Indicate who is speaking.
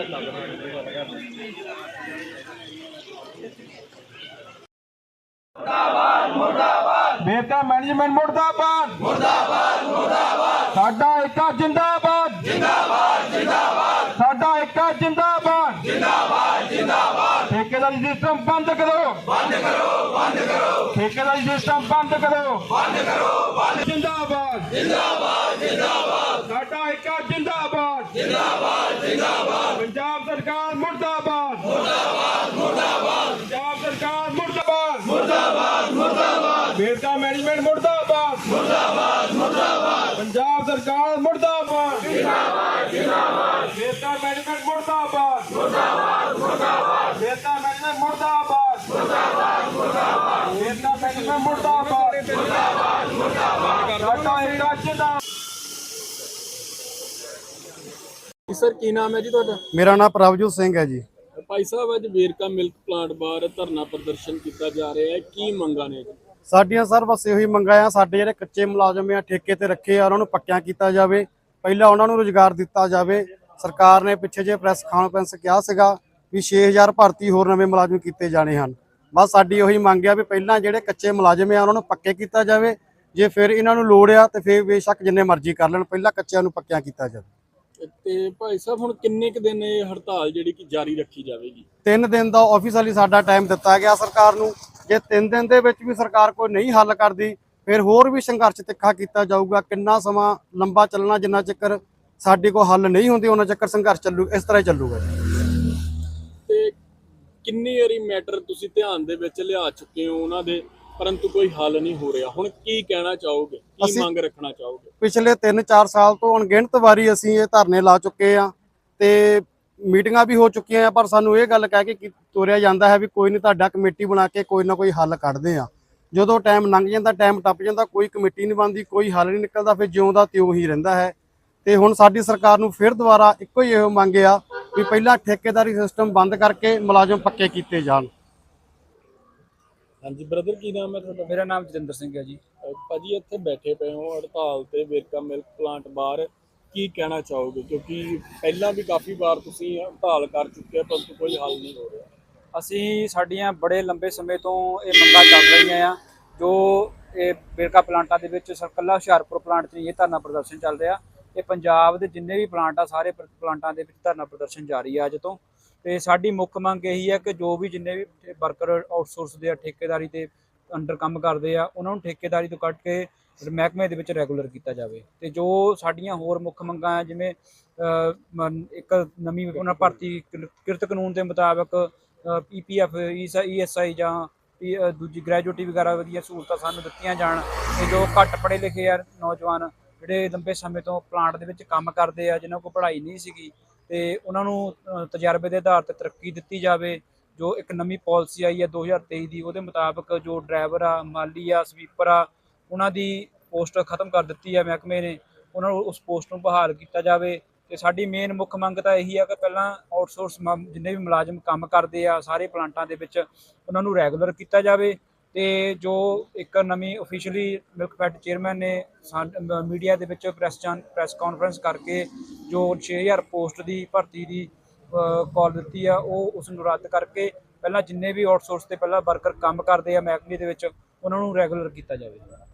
Speaker 1: बेहतर मैनेजमेंट मुर्दाबाद मुर्दाबाद मुर्दाबाद साडा एका जिंदाबाद जिंदाबाद जिंदाबाद साडा एका जिंदाबाद जिंदाबाद जिंदाबाद ठेकेदारी सिस्टम बंद करो बंद करो बंद करो ठेकेदारी सिस्टम बंद करो जिंदाबाद जिंदाबाद जिंदाबाद साडा एका जिंदाबाद जिंदाबाद जिंदाबाद पंजाब सरकार मुर्दाबाद मुर्दाबाद मुर्दाबाद पंजाब सरकार मुर्दाबाद मुर्दाबाद मुर्दाबाद बेहतर मैनेजमेंट मुर्दाबाद मुर्दाबाद मुर्दाबाद पंजाब सरकार मुर्दाबाद जिंदाबाद जिंदाबाद बेहतर मैनेजमेंट मुर्दाबाद मुर्दाबाद मुर्दाबाद बेहतर मैनेजमेंट मुर्दाबाद मुर्दाबाद मुर्दाबाद बेहतर मैनेजमेंट मुर्दाबाद मुर्दाबाद मुर्दाबाद साडा एका जिंदाबाद।
Speaker 2: सर की नाम है जी तुहाडा?
Speaker 3: मेरा नाम प्रभजोत सिंह है जी।
Speaker 2: भाई साहब अज वेरका मिल्क प्लांट बाहर धरना प्रदर्शन किया जा रहा है, की मंगा ने जी?
Speaker 3: साडियां सर बस ਇਹੋ ਹੀ ਮੰਗਾਂ ਆ। ਸਾਡੇ ਜਿਹੜੇ ਕੱਚੇ ਮੁਲਾਜ਼ਮ ਆ ਠੇਕੇ ਤੇ ਰੱਖੇ ਆ ਉਹਨਾਂ ਨੂੰ ਪੱਕਿਆਂ ਕੀਤਾ ਜਾਵੇ, ਪਹਿਲਾਂ ਉਹਨਾਂ ਨੂੰ ਰੁਜ਼ਗਾਰ ਦਿੱਤਾ ਜਾਵੇ। ਸਰਕਾਰ ਨੇ ਪਿੱਛੇ ਜੇ ਪ੍ਰੈਸ ਕਾਨਫਰੰਸ ਕਿਹਾ ਸੀਗਾ ਵੀ 6000 ਭਰਤੀ ਹੋਰ ਨਵੇਂ ਮੁਲਾਜ਼ਮ ਕੀਤੇ ਜਾਣੇ ਹਨ। ਬਸ ਸਾਡੀ ਉਹੀ ਮੰਗ ਆ ਵੀ ਪਹਿਲਾਂ ਜਿਹੜੇ ਕੱਚੇ ਮੁਲਾਜ਼ਮ ਆ ਉਹਨਾਂ ਨੂੰ ਪੱਕੇ ਕੀਤਾ ਜਾਵੇ, ਜੇ ਫਿਰ ਇਹਨਾਂ ਨੂੰ ਲੋੜ ਆ ਤੇ ਫਿਰ ਬੇਸ਼ੱਕ ਜਿੰਨੇ ਮਰਜ਼ੀ ਕਰ ਲੈਣ, ਪਹਿਲਾਂ ਕੱਚਿਆਂ ਨੂੰ ਪੱਕਿਆਂ ਕੀਤਾ ਜਾਵੇ।
Speaker 2: ਤੇ ਭਾਈ ਸਾਹਿਬ ਹੁਣ ਕਿੰਨੇ ਕ ਦਿਨ ਇਹ ਹੜਤਾਲ ਜਿਹੜੀ ਕਿ ਜਾਰੀ ਰੱਖੀ ਜਾਵੇਗੀ?
Speaker 3: 3 ਦਿਨ ਦਾ ਆਫੀਸ਼ੀਅਲੀ ਸਾਡਾ ਟਾਈਮ ਦਿੱਤਾ ਗਿਆ ਸਰਕਾਰ ਨੂੰ। ਜੇ 3 ਦਿਨ ਦੇ ਵਿੱਚ ਵੀ ਸਰਕਾਰ ਕੋਈ ਨਹੀਂ ਹੱਲ ਕਰਦੀ ਫਿਰ ਹੋਰ ਵੀ ਸੰਘਰਸ਼ ਤਿੱਖਾ ਕੀਤਾ ਜਾਊਗਾ। ਕਿੰਨਾ ਸਮਾਂ ਲੰਬਾ ਚੱਲਣਾ, ਜਿੰਨਾ ਚੱਕਰ ਸਾਡੇ ਕੋਲ ਹੱਲ ਨਹੀਂ ਹੁੰਦੀ ਉਹਨਾਂ ਚੱਕਰ ਸੰਘਰਸ਼ ਚੱਲੂ, ਇਸ ਤਰ੍ਹਾਂ ਹੀ ਚੱਲੂਗਾ।
Speaker 2: ਤੇ ਕਿੰਨੀ ਵਾਰੀ ਮੈਟਰ ਤੁਸੀਂ ਧਿਆਨ ਦੇ ਵਿੱਚ ਲਿਆ ਚੁੱਕੇ ਹੋ ਉਹਨਾਂ ਦੇ, परंतु कोई हल नहीं हो रहा, हुण की कहना चाहोगे, की मांग रखना चाहोगे?
Speaker 3: पिछले 3-4 साल तो अणगिणत वारी असीं ये धरने ला चुके हैं ते मीटिंगां भी हो चुकी हैं, पर सानू ये गल कह के तुरिया जांदा है भी कोई नहीं, तुहाडा कमेटी बना के कोई ना कोई हल कढदे आ। जदों टाइम लंघ जांदा, टाइम टप जांदा, कोई कमेटी नहीं बनदी, कोई हल नहीं निकलदा, फिर जिउं दा त्यों ही रहिंदा है। ते हुण साडी सरकार नूं फिर दुबारा इक्को ही इहो मंग आ भी पहिलां ठेकेदारी सिस्टम बंद करके मुलाजम पक्के कीते जाण।
Speaker 2: हाँ जी ब्रदर, की नाम है तुहाडा?
Speaker 4: मेरा नाम जतिंदर सिंह है जी।
Speaker 2: भाजी इत्थे बैठे पे हो हड़ताल ते वेरका मिल्क प्लांट बाहर, की कहना चाहोगे? क्योंकि पहला भी काफ़ी बार तुसीं हड़ताल कर चुके हैं परंतु कोई हल नहीं हो रहा।
Speaker 4: ਅਸੀਂ ਸਾਡੀਆਂ ਬੜੇ ਲੰਬੇ ਸਮੇਂ ਤੋਂ ਇਹ ਮੰਗਾਂ ਚੱਲ ਰਹੀਆਂ ਆ, ਜੋ ਇਹ ਵੇਰਕਾ ਪਲਾਂਟਾਂ ਦੇ ਵਿੱਚ ਇਕੱਲਾ ਹੁਸ਼ਿਆਰਪੁਰ ਪਲਾਂਟ 'ਚ ਇਹ ਧਰਨਾ ਪ੍ਰਦਰਸ਼ਨ ਚੱਲ ਰਿਹਾ। ਇਹ ਪੰਜਾਬ ਦੇ ਜਿੰਨੇ ਵੀ ਪਲਾਂਟ ਆ ਸਾਰੇ ਪਲਾਂਟਾਂ ਦੇ ਵਿੱਚ ਧਰਨਾ ਪ੍ਰਦਰਸ਼ਨ ਜਾਰੀ ਆ ਅੱਜ ਤੋਂ। ਤੇ ਸਾਡੀ ਮੁੱਖ ਮੰਗ ਇਹੀ ਹੈ ਕਿ ਜੋ ਵੀ ਜਿੰਨੇ ਵੀ ਵਰਕਰ ਆਊਟਸੋਰਸ ਦੇ ਆ, ਠੇਕੇਦਾਰੀ ਦੇ ਅੰਡਰ ਕੰਮ ਕਰਦੇ ਆ, ਉਹਨਾਂ ਨੂੰ ਠੇਕੇਦਾਰੀ ਤੋਂ ਕੱਢ ਕੇ ਮਹਿਕਮੇ ਦੇ ਵਿੱਚ ਰੈਗੂਲਰ ਕੀਤਾ ਜਾਵੇ। ਤੇ ਜੋ ਸਾਡੀਆਂ ਹੋਰ ਮੁੱਖ ਮੰਗਾਂ ਆ, ਜਿਵੇਂ ਇੱਕ ਨਵੀਂ ਉਹਨਾਂ ਭਰਤੀ ਕਿਰਤ ਕਾਨੂੰਨ ਦੇ ਮੁਤਾਬਕ PPF ESI ਜਾਂ ਦੂਜੀ ਗ੍ਰੈਜੂਏਟੀ ਵਗੈਰਾ ਵਧੀਆ ਸਹੂਲਤਾਂ ਸਾਨੂੰ ਦਿੱਤੀਆਂ ਜਾਣ। ਤੇ ਜੋ ਘੱਟ ਪੜ੍ਹੇ ਲਿਖੇ ਆ ਨੌਜਵਾਨ ਜਿਹੜੇ ਲੰਬੇ ਸਮੇਂ ਤੋਂ ਪਲਾਂਟ ਦੇ ਵਿੱਚ ਕੰਮ ਕਰਦੇ ਆ, ਜਿਨ੍ਹਾਂ ਕੋਲ ਪੜ੍ਹਾਈ ਨਹੀਂ ਸੀਗੀ, ਤੇ ਉਹਨਾਂ ਨੂੰ ਤਜਰਬੇ ਦੇ ਆਧਾਰ ਤੇ ਤਰੱਕੀ ਦਿੱਤੀ ਜਾਵੇ। ਜੋ ਇੱਕ ਨਵੀਂ ਪਾਲਿਸੀ ਆਈ ਹੈ 2023 ਦੀ, ਉਹਦੇ ਮੁਤਾਬਕ ਜੋ ਡਰਾਈਵਰ ਆ, ਮਾਲੀ ਆ, ਸਵੀਪਰ ਆ, ਉਹਨਾਂ ਦੀ ਪੋਸਟ ਖਤਮ ਕਰ ਦਿੱਤੀ ਹੈ ਮਹਿਕਮੇ ਨੇ, ਉਹਨਾਂ ਨੂੰ ਉਸ ਪੋਸਟ ਨੂੰ ਬਹਾਲ ਕੀਤਾ ਜਾਵੇ। ਤੇ ਸਾਡੀ ਮੇਨ ਮੁੱਖ ਮੰਗ ਤਾਂ ਇਹੀ ਆ ਕਿ ਪਹਿਲਾਂ ਆਊਟਸੋਰਸ ਜਿੰਨੇ ਵੀ ਮੁਲਾਜ਼ਮ ਕੰਮ ਕਰਦੇ ਆ ਸਾਰੇ ਪਲਾਂਟਾਂ ਦੇ ਵਿੱਚ, ਉਹਨਾਂ ਨੂੰ ਰੈਗੂਲਰ ਕੀਤਾ ਜਾਵੇ। ਤੇ ਜੋ ਇੱਕ ਨਵੀਂ ਆਫੀਸ਼ੀਅਲੀ ਮਿਲਕਫੈਡ ਚੇਅਰਮੈਨ ਨੇ ਮੀਡੀਆ ਦੇ ਵਿੱਚ ਪ੍ਰੈਸ ਕਾਨਫਰੰਸ ਕਰਕੇ ਜੋ 6000 ਪੋਸਟ ਦੀ ਭਰਤੀ ਦੀ ਕਾਲ ਦਿੱਤੀ ਆ, ਉਹ ਉਸ ਨੂੰ ਰੱਦ ਕਰਕੇ ਪਹਿਲਾਂ ਜਿੰਨੇ ਵੀ ਆਊਟਸੋਰਸ ਤੇ ਪਹਿਲਾਂ ਵਰਕਰ ਕੰਮ ਕਰਦੇ ਆ ਮਹਿਕਮੇ ਦੇ ਵਿੱਚ, ਉਹਨਾਂ ਨੂੰ ਰੈਗੂਲਰ ਕੀਤਾ ਜਾਵੇ।